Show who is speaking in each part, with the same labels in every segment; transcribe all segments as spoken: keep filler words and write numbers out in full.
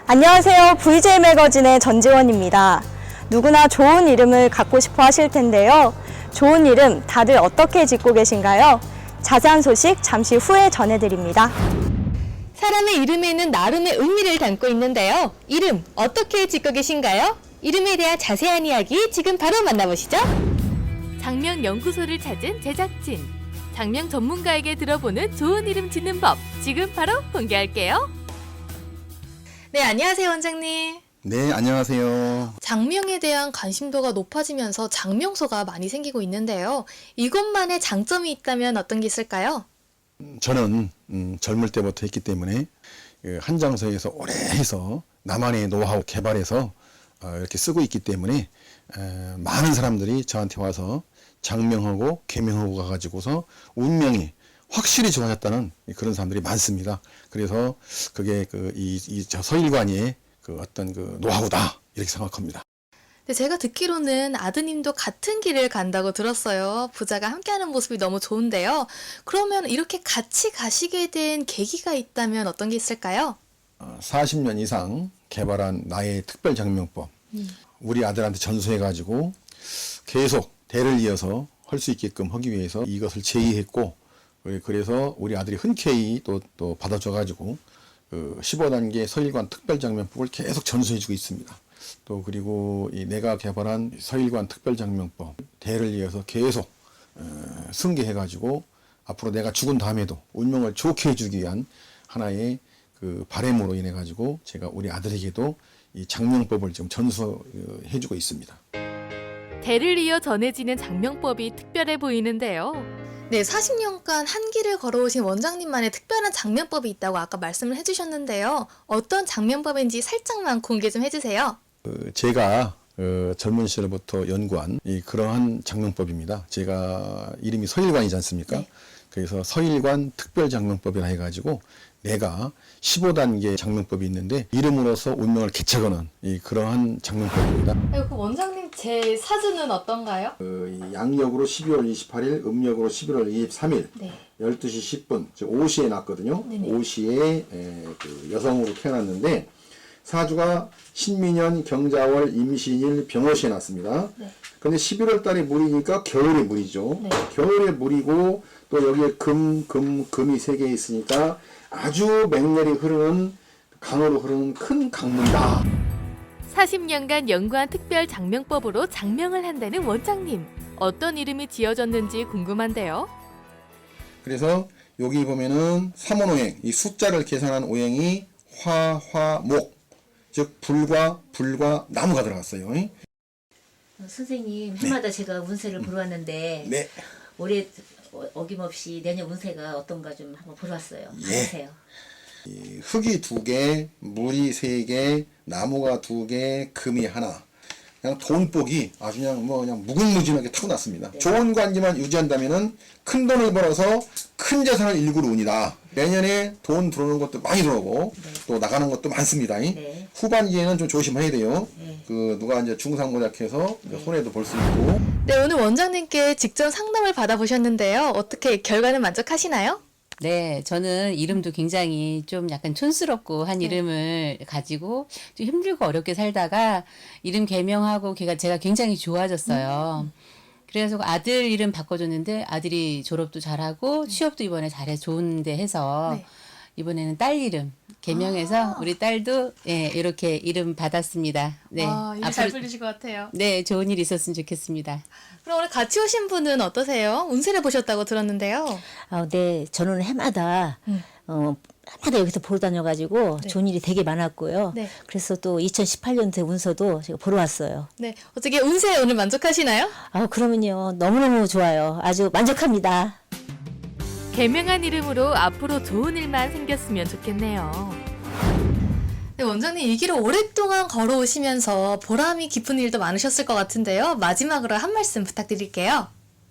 Speaker 1: 안녕하세요. 브이제이 매거진의 전지원입니다. 누구나 좋은 이름을 갖고 싶어 하실 텐데요. 좋은 이름 다들 어떻게 짓고 계신가요? 자세한 소식 잠시 후에 전해드립니다.
Speaker 2: 사람의 이름에는 나름의 의미를 담고 있는데요. 이름 어떻게 짓고 계신가요? 이름에 대한 자세한 이야기 지금 바로 만나보시죠.
Speaker 3: 장명 연구소를 찾은 제작진. 장명 전문가에게 들어보는 좋은 이름 짓는 법. 지금 바로 공개할게요.
Speaker 2: 네, 안녕하세요, 원장님.
Speaker 4: 네, 안녕하세요.
Speaker 2: 장명에 대한 관심도가 높아지면서 장명소가 많이 생기고 있는데요. 이것만의 장점이 있다면 어떤 게 있을까요?
Speaker 4: 저는 음, 젊을 때부터 했기 때문에 그 한 장소에서 오래 해서 나만의 노하우 개발해서 어, 이렇게 쓰고 있기 때문에 에, 많은 사람들이 저한테 와서 장명하고 개명하고 가가지고서 운명이 확실히 좋아졌다는 그런 사람들이 많습니다. 그래서 그게 그 이 이 저 서일관의 그 어떤 그 노하우다 이렇게 생각합니다.
Speaker 2: 네, 제가 듣기로는 아드님도 같은 길을 간다고 들었어요. 부자가 함께하는 모습이 너무 좋은데요. 그러면 이렇게 같이 가시게 된 계기가 있다면 어떤 게 있을까요?
Speaker 4: 어, 사십 년 이상 개발한 나의 특별 장명법 음. 우리 아들한테 전수해가지고 계속 대를 이어서 할 수 있게끔 하기 위해서 이것을 제의했고, 그래서 우리 아들이 흔쾌히 또, 또 받아줘가지고 그 십오 단계 서일관 특별장명법을 계속 전수해주고 있습니다. 또 그리고 이 내가 개발한 서일관 특별장명법 대를 이어서 계속 어, 승계해가지고 앞으로 내가 죽은 다음에도 운명을 좋게 해주기 위한 하나의 그 바람으로 인해 가지고 제가 우리 아들에게도 이 장명법을 지금 전수해주고 있습니다.
Speaker 3: 대를 이어 전해지는 장명법이 특별해 보이는데요.
Speaker 2: 네, 사십 년간 한 길을 걸어오신 원장님만의 특별한 장명법이 있다고 아까 말씀을 해주셨는데요. 어떤 장명법인지 살짝만 공개 좀 해주세요.
Speaker 4: 그 제가 어, 젊은 시절부터 연구한 이 그러한 장명법입니다. 제가 이름이 서일관이지 않습니까?
Speaker 2: 네.
Speaker 4: 그래서 서일관 특별장명법이라 해가지고 내가 십오 단계 장명법이 있는데 이름으로서 운명을 개척하는 이 그러한 장명법입니다.
Speaker 2: 그 원장님 제 사주는 어떤가요?
Speaker 4: 그 양력으로 십이월 이십팔일, 음력으로 십일월 이십삼일,
Speaker 2: 네.
Speaker 4: 열두 시 십 분, 즉 오시에 났거든요.
Speaker 2: 네네.
Speaker 4: 오시에 에, 그 여성으로 태어났는데 사주가 신민년, 경자월, 임신일, 병호시에 났습니다.
Speaker 2: 네.
Speaker 4: 근데 십일월 달에 물이니까 겨울에 물이죠.
Speaker 2: 네.
Speaker 4: 겨울에 물이고 또 여기에 금, 금, 금이 세 개 있으니까 아주 맹렬히 흐르는 강으로 흐르는 큰 강물이다.
Speaker 3: 사십 년간 연구한 특별 장명법으로 장명을 한다는 원장님. 어떤 이름이 지어졌는지 궁금한데요.
Speaker 4: 그래서 여기 보면은 삼원오행, 이 숫자를 계산한 오행이 화, 화, 목, 즉 불과 불과 나무가 들어갔어요.
Speaker 5: 어, 선생님 해마다 제가 운세를 보러 왔는데
Speaker 4: 네.
Speaker 5: 올해 어- 어김없이 내년 운세가 어떤가 좀 한번 보러 왔어요.
Speaker 4: 예.
Speaker 5: 안녕하세요.
Speaker 4: 이 흙이 두 개, 물이 세 개, 나무가 두 개, 금이 하나. 그냥 돈복이 아주 그냥 뭐 그냥 무궁무진하게 타고났습니다.
Speaker 5: 네.
Speaker 4: 좋은 관계만 유지한다면은 큰 돈을 벌어서 큰 재산을 일구러 운이다. 내년에 돈 들어오는 것도 많이 들어오고
Speaker 5: 네.
Speaker 4: 또 나가는 것도 많습니다.
Speaker 5: 네.
Speaker 4: 후반기에는 좀 조심해야 돼요.
Speaker 5: 네.
Speaker 4: 그 누가 이제 중상모략해서 이제 손해도 볼 수 있고.
Speaker 2: 네, 오늘 원장님께 직접 상담을 받아보셨는데요. 어떻게 결과는 만족하시나요?
Speaker 6: 네, 저는 이름도 굉장히 좀 약간 촌스럽고 한
Speaker 2: 네.
Speaker 6: 이름을 가지고 좀 힘들고 어렵게 살다가 이름 개명하고 걔가 제가 굉장히 좋아졌어요. 그래서 아들 이름 바꿔줬는데 아들이 졸업도 잘하고 취업도 이번에 잘해 좋은데 해서
Speaker 2: 네.
Speaker 6: 이번에는 딸 이름 개명해서 우리 딸도 예, 이렇게 이름 받았습니다. 네,
Speaker 2: 아, 이름 잘
Speaker 6: 앞으로-
Speaker 2: 불리실 것 같아요.
Speaker 6: 네, 좋은 일 있었으면 좋겠습니다.
Speaker 2: 그럼 오늘 같이 오신 분은 어떠세요? 운세를 보셨다고 들었는데요.
Speaker 7: 아, 네, 저는 해마다
Speaker 2: 음.
Speaker 7: 어 해마다 여기서 보러 다녀가지고
Speaker 2: 네.
Speaker 7: 좋은 일이 되게 많았고요.
Speaker 2: 네.
Speaker 7: 그래서 또 이천십팔 년도에 운서도 제가 보러 왔어요.
Speaker 2: 네, 어떻게 운세 오늘 만족하시나요?
Speaker 7: 아, 그러면요 너무너무 좋아요. 아주 만족합니다.
Speaker 3: 개명한 이름으로 앞으로 좋은 일만 생겼으면 좋겠네요.
Speaker 2: 네, 원장님 이 길을 오랫동안 걸어오시면서 보람이 깊은 일도 많으셨을 것 같은데요. 마지막으로 한 말씀 부탁드릴게요.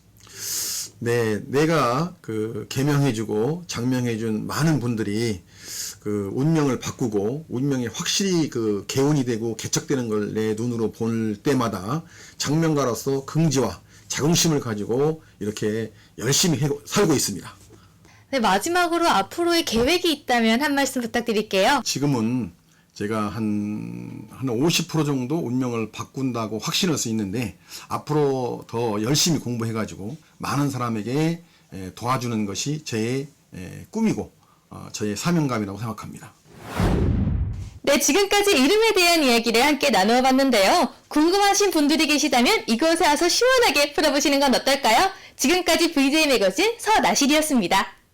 Speaker 4: 네, 내가 그 개명해주고 장명해준 많은 분들이 그 운명을 바꾸고 운명이 확실히 그 개운이 되고 개척되는 걸 내 눈으로 볼 때마다 장명가로서 긍지와 자긍심을 가지고 이렇게 열심히 해, 살고 있습니다.
Speaker 2: 네, 마지막으로 앞으로의 계획이 있다면 한 말씀 부탁드릴게요.
Speaker 4: 지금은 제가 한, 한 오십 퍼센트 정도 운명을 바꾼다고 확신할 수 있는데, 앞으로 더 열심히 공부해가지고 많은 사람에게 에, 도와주는 것이 제 에, 꿈이고 어, 저의 사명감이라고 생각합니다.
Speaker 2: 네, 지금까지 이름에 대한 이야기를 함께 나누어 봤는데요. 궁금하신 분들이 계시다면 이곳에 와서 시원하게 풀어보시는 건 어떨까요? 지금까지 브이제이 매거진 서나실이었습니다.